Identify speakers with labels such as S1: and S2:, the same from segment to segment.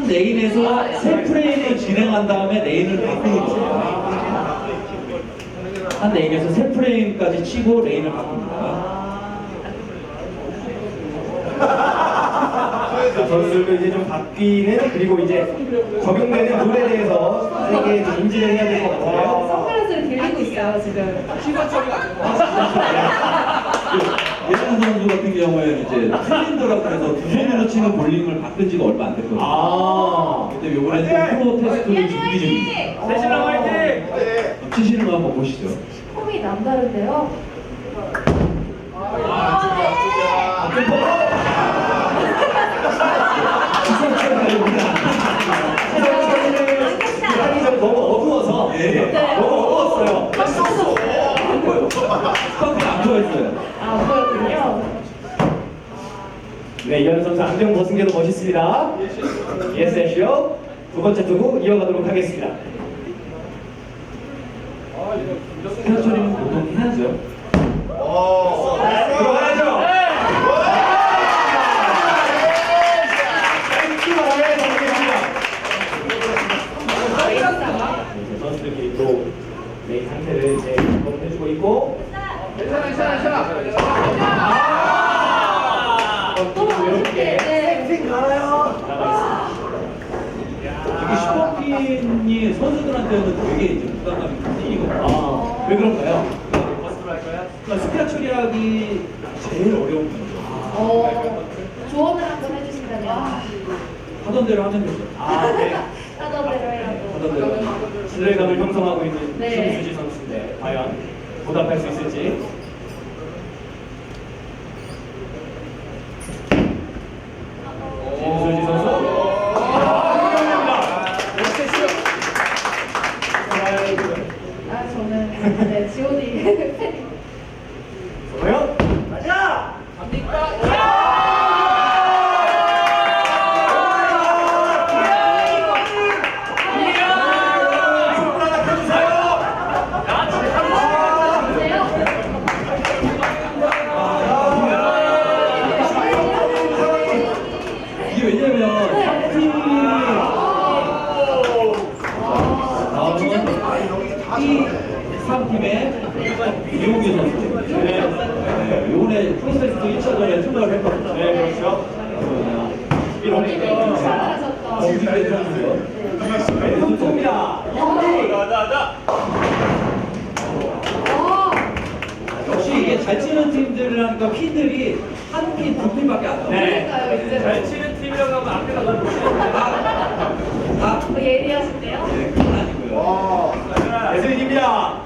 S1: 한 레인에서 세 프레임을 진행한 다음에 레인을 바꾸는 거예요. 한 레인에서 세 프레임까지 치고 레인을 바꿉니다.
S2: 선수들도 이제 좀 바뀌는, 그리고 이제 적용되는 룰에 대해서 선생님께 좀 인지를 해야 될 것 같아요.
S3: 선글라스를 들리고 있어요 지금.
S1: 예전 선수 같은 경우에는 이제 챌린저라고 해서 두 손으로 치는 볼링을 바꾼 지가 얼마 안 됐거든요. 근데 요번에 또 프로 테스트를 준비 중입니다.
S2: 세신랑 화이팅!
S1: 치시는 거 한번 보시죠.
S3: 폼이 남다른데요.
S2: 너무 어두워서 너무 어두웠어요.
S1: 안 보여요. 스파크가 안 보였어요.
S3: 안 보였군요.
S2: 네, 이현 선수 안경 벗은 게도 멋있습니다. 예스 애쉬요. 두 번째 투구 이어가도록 하겠습니다.
S1: 스타 처리는 보통 해야죠.
S2: 들어가야죠. 이제 선수들끼리 또 레인 상태를 이제 점검해주고 있고.
S3: 괜찮아.
S2: 또 이렇게
S3: 네.
S2: 나가
S1: 특히 슈퍼핀이 선수들한테는 되게 이제 부담감이 큰 일이거든요.
S2: 있습니다. 왜 그런가요?
S1: 스타 처리하기 제일 어려운 거죠.
S3: 조언을 한번 해주신다면.
S1: 하던 대로 하면 되죠.
S2: 네.
S3: 하던 대로 해라고.
S1: 하던 대로.
S2: 신뢰감을 형성하고 있는
S3: 네.
S2: 김수지 선수인데 과연 보답할 수 있을지. 김수지 선수.
S3: 저는 네, G.O.D 팬입니다.
S2: 과연 가자.
S1: 이게 왜냐면 팀이 이 3팀의 이용규 선수. 요번에 프로세스도 1차전에 출발을 했거든요.
S2: 네, 그렇죠. 11월에
S1: 정규대 선수요.
S2: 왼손입니다.
S1: 역시 이게 잘 치는 팀들을 하니까 핀들이 한 핀, 두 핀밖에 안 나와요.
S2: 네. 잘 치는 팀이라고 하면 앞에가 너무 보시는데.
S1: 다
S3: 예리하신데요?
S1: 네, 그건 아니고요.
S2: 예술입니다.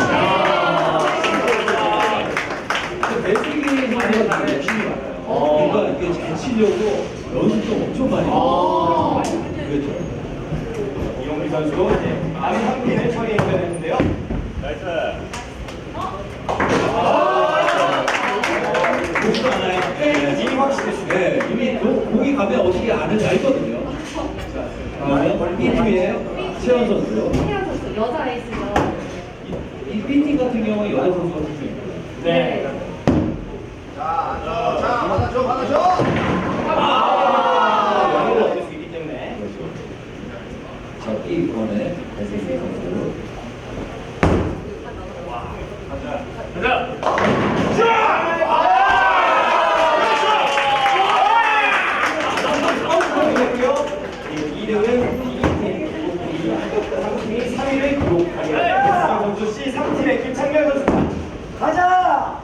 S1: 배수기 선수가 되게 욕심이 많아요. 그러니까 이게 잘 치려고 연습도 엄청 많이 해요. 그렇죠.
S2: 이용기 선수도 이제 남이 한 핀을 처리해야 되는데요.
S1: 보지도 않아요. 네,
S2: 이미 확실했습니다.
S1: 네, 이미 공이 가면 어떻게 아는지 알거든요. 다음에 B팀의 최원 선수요.
S3: 최현 선수 여자 에이스죠.
S1: 이 B팀 같은 경우는 여자 선수가 투수입니다.
S2: 네. 여기를 얻을 수 있기 때문에.
S1: 자, B번에 배수기 선수.
S2: 이름은 B팀 3위를 기록하게 선수 C 3팀의 김창렬 선수입니다. 가자!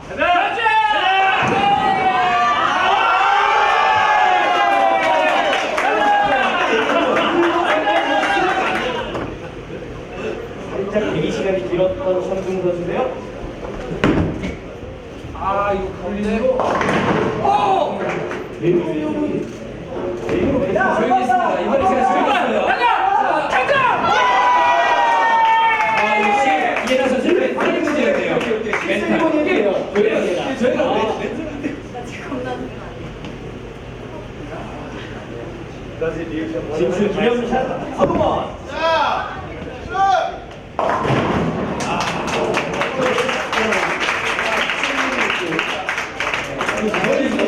S2: 살짝 대기 시간이 길었던 선중 선수인데요.
S1: 이거 가운데로. 조용히 했습니다. 이번에 제가 조용히 했어요. 역시 이해나 선수 멘탈이 문제였네요. 멘탈. 저희가
S2: 진출 기념샷 서동원.
S1: 저희